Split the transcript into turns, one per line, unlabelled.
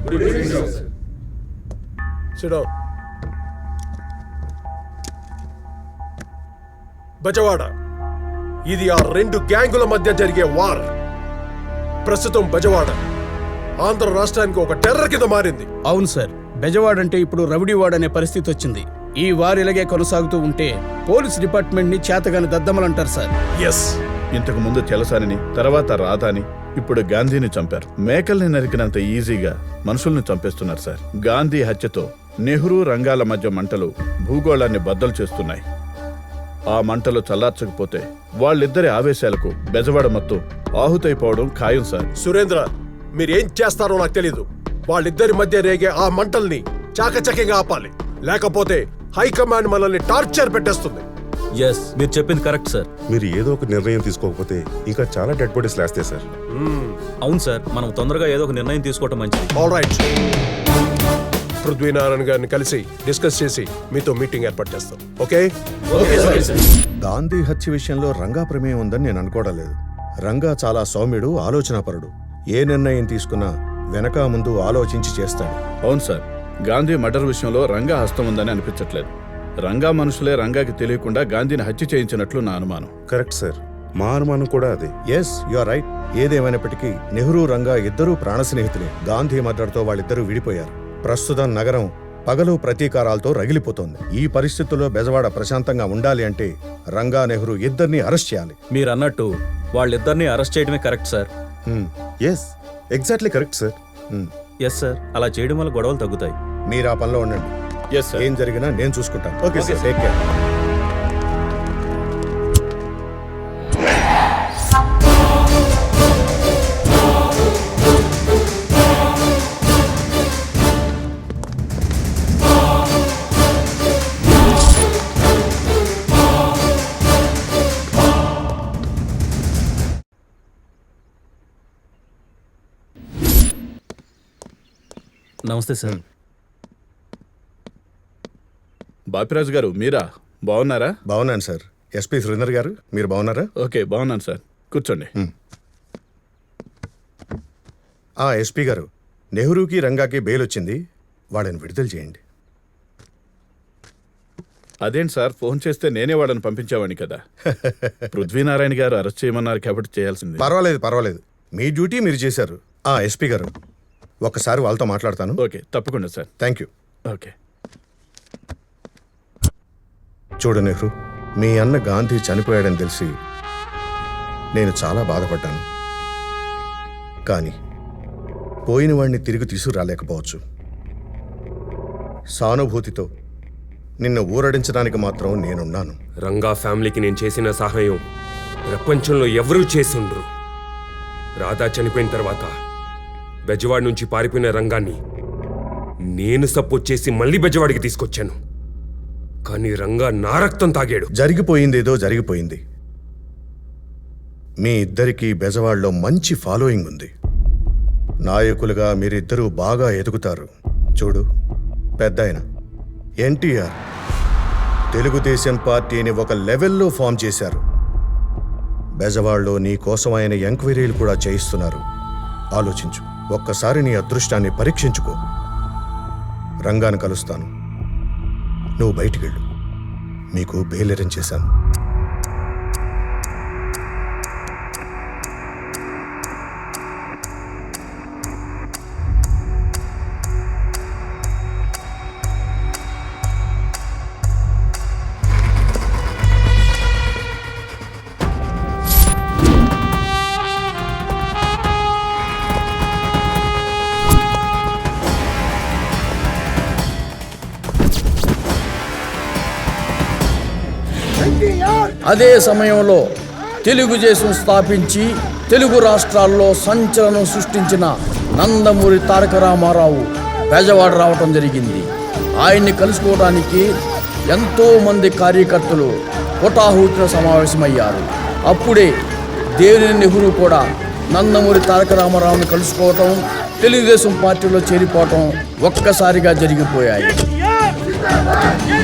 Sit down. Bezawada ఇది ఆ రెండు గ్యాంగుల మధ్య జరిగే వార్. ప్రస్తుతం బెజవాడ ఆంధ్ర రాష్ట్రానికి ఒక టెర్రర్ కింద మారింది.
అవును సార్, బెజవాడ అంటే ఇప్పుడు రౌడీవాడ అనే పరిస్థితి వచ్చింది. ఈ వార్ ఇలాగే కొనసాగుతూ ఉంటే పోలీస్ డిపార్ట్మెంట్ ని చేతగాని దద్దమలంటారు సార్.
ఎస్,
ఇంతకు ముందు చెలసానిని, తర్వాత రాధాని, ఇప్పుడు గాంధీని చంపారు. మేకల్ని నరికినంత ఈజీగా మనుషుల్ని చంపేస్తున్నారు సార్. గాంధీ హత్యతో నెహ్రూ రంగాల మధ్య మంటలు భూగోళాన్ని బద్దలు చేస్తున్నాయి. ఆ మంటలు చల్లార్చకపోతే వాళ్ళిద్దరి ఆవేశాలకు బెజవాడ మొత్తం ఆహుతైపోవడం ఖాయం సార్.
సురేంద్ర, మీరేం చేస్తారో నాకు తెలీదు. వాళ్ళిద్దరి మధ్య రేగే ఆ మంటల్ని చాకచక్యంగా ఆపాలి, లేకపోతే హైకమాండ్ మనల్ని టార్చర్ పెట్టేస్తుంది.
ఎస్, మీరు చెప్పింది కరెక్ట్ సార్.
మీరు ఏదో ఒక నిర్ణయం తీసుకోకపోతే ఇంకా చాలా డెడ్ బాడీస్ లేస్తాయి సార్.
అవును సార్, మనం తొందరగా ఏదో ఒక నిర్ణయం తీసుకోవటం మంచిది.
ఆల్ రైట్, పృథ్వీనారాయణ గారిని కలిసి డిస్కస్ చేసి మీతో మీటింగ్ ఏర్పాటు చేస్తాం. ఓకే?
గాంధీ హత్య విషయంలో రంగా ప్రమేయం ఉందని నేను అనుకోవడం లేదు. రంగా చాలా సౌమ్యుడు, ఆలోచనాపరుడు. ఏ నిర్ణయం తీసుకున్నా వెనక ముందు ఆలోచించి చేస్తాడు.
అవును సార్, గాంధీ మర్డర్ విషయంలో రంగా హస్తం ఉందని అనిపించట్లేదు. రంగా మనుషులే రంగాకి తెలియకుండా గాంధీని హత్య చేయించినట్లు నా అనుమానం.
కరెక్ట్ సార్, మా అనుమానం కూడా అదే.
Yes, you are right. ఏదేమైనప్పటికీ నెహ్రూ రంగా ఇద్దరూ ప్రాణ స్నేహితులే. గాంధీ మర్డర్తో వాళ్ళిద్దరూ విడిపోయారు. ప్రస్తుతం నగరం పగలు ప్రతీకారాలతో రగిలిపోతోంది. ఈ పరిస్థితుల్లో బెజవాడ ప్రశాంతంగా ఉండాలి అంటే రంగా, నెహ్రూ ఇద్దరిని అరెస్ట్ చేయాలి.
మీరు అన్నట్టు వాళ్ళిద్దరిని అరెస్ట్ చేయడమే correct sir.
Yes, exactly correct sir.
Yes sir, అలా చేయడం వల్ల గొడవలు తగ్గుతాయి.
మీరు ఆ పనిలో ఉండండి.
Yes sir.
ఏం జరిగినా నేను చూసుకుంటాను.
Okay sir,
take care.
Namaste sir.
Bapiraju garu, మీరా? బాగున్నారా?
బాగున్నాను సార్. ఎస్పీ సురేందర్ గారు, మీరు బాగున్నారా?
ఓకే, బాగున్నాను సార్. కూర్చోండి.
ఎస్పీ గారు, నెహ్రూకి రంగాకి బెయిల్ వచ్చింది. వాళ్ళని విడుదల చేయండి.
అదేంటి సార్, ఫోన్ చేస్తే నేనే వాళ్ళని పంపించేవాడిని కదా. పృథ్వీనారాయణ గారు అరెస్ట్ చేయమన్నారు కాబట్టి చేయాల్సింది.
పర్వాలేదు. మీ డ్యూటీ మీరు చేశారు. ఎస్పీ గారు, ఒక్కసారి వాళ్ళతో మాట్లాడతాను.
ఓకే, తప్పకుండా సార్.
Thank you.
ఓకే.
చూడు నెహ్రూ, మీ అన్న గాంధీ చనిపోయాడని తెలిసి నేను చాలా బాధపడ్డాను. కానీ పోయిన వాడిని తిరిగి తీసుకురాలేకపోవచ్చు. సానుభూతితో నిన్ను ఊరడించడానికి మాత్రం నేనున్నాను.
రంగా ఫ్యామిలీకి నేను చేసిన సహాయం ప్రపంచంలో ఎవరూ చేసుండ్రు. రాధా చనిపోయిన తర్వాత బెజవాడ నుంచి పారిపోయిన రంగాన్ని నేను సపోర్ట్ చేసి మళ్ళీ బెజవాడికి తీసుకొచ్చాను. కానీ రంగా నా రక్తం తాగాడు.
జరిగిపోయిందేదో జరిగిపోయింది. మీ ఇద్దరికీ బెజవాడలో మంచి ఫాలోయింగ్ ఉంది. నాయకులుగా మీరిద్దరూ బాగా ఎదుగుతారు. చూడు, పెద్దాయన ఎన్టీఆర్ తెలుగుదేశం పార్టీని ఒక లెవెల్లో ఫామ్ చేశారు. బెజవాడలో నీ కోసం ఆయన ఎంక్వైరీలు కూడా చేయిస్తున్నారు. ఆలోచించు. ఒక్కసారి నీ అదృష్టాన్ని పరీక్షించుకో. రంగాను కలుస్తాను. నువ్వు బయటికెళ్ళు. మీకు బెయిల్ అరేంజ్ చేశాను.
అదే సమయంలో తెలుగుదేశం స్థాపించి తెలుగు రాష్ట్రాల్లో సంచలనం సృష్టించిన నందమూరి తారక రామారావు బెజవాడ రావటం జరిగింది. ఆయన్ని కలుసుకోవడానికి ఎంతో మంది కార్యకర్తలు హుటాహుటిన సమావేశమయ్యారు. అప్పుడే దేవినేని నెహ్రూ కూడా నందమూరి తారక రామారావుని కలుసుకోవటం, తెలుగుదేశం పార్టీలో చేరిపోవటం ఒక్కసారిగా జరిగిపోయాయి.